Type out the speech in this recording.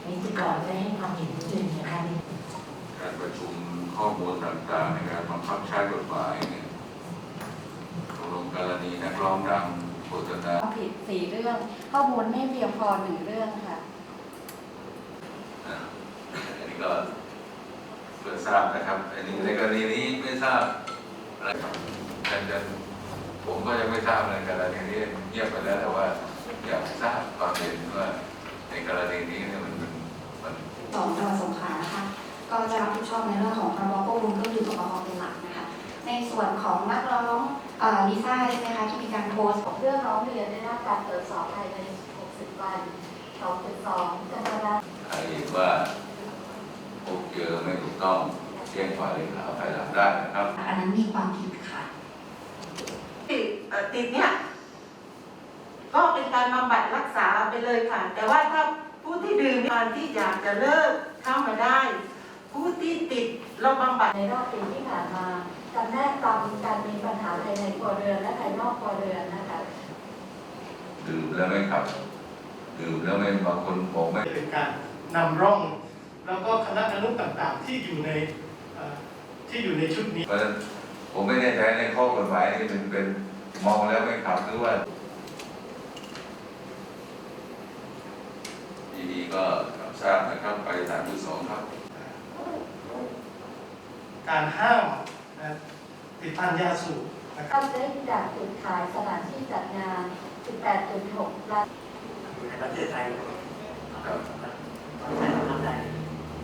นิติกรได้ให้ความเห็นนิดนึงนะคะการประชุมข้อมูลต่างๆในการบังคับใช้กฎหมายเนี่ยลงกรณีนักร้องดังโฆษณาผิด4 เรื่องข้อมูลไม่เพียงพอ1 เรื่องค่ะอันนี้ก็เพื่อทราบนะครับอันนี้ในกรณีนี้ไม่ทราบอะไรครับผมก็ยังไม่ทราบในกรณีนี้เงียบไปแล้วแต่ว่าอยากทราบความเห็นว่าในกรณีนี้เนี่ยมันจังหวัดสงขลานะคะก็จะรับผิดชอบในเรื่องของพรบควบคุมเครื่องดื่มแอลกอฮอล์เป็นหลักนะคะในส่วนของนักร้องลิซ่าใช่ไหมคะที่มีการโพสต์เรื่องร้องเรียนได้รับการตรวจสอบภายใน60 วัน 2.2 กันยายนใครเห็นว่าพบเจอไม่ถูกต้องแจ้งฝ่ายเลขาภายหลังได้นะครับอันนั้นมีความผิดค่ะติดเนี่ยก็เป็นการบำบัดรักษาไปเลยค่ะแต่ว่าถ้าผู้ที่ดื่มการที่อยากจะเลิกเข้ามาได้ผู้ที่ติดเราบำบัดในรอบปีที่ผ่านมาจำแนกตามการมีปัญหาภายในครัวเรือนและภายนอกครัวเรือนนะคะดื่มแล้วไม่ขับดื่มแล้วไม่บางคนบอกไม่เป็นการนำร่องแล้วก็คณะอนุต่างๆที่อยู่ในชุดนี้เพราะฉะนั้นผมไม่แน่ใจในข้อกฎหมายนี่มันเป็นมองแล้วไม่ขับหรือว่าดีๆก็รับทราบนะครับไป3.2ครับการห้ามติดพันยาสูบเข้าได้จากจุดขายสถานที่จัดงาน 18.6 ล้านประเทศไทยครับ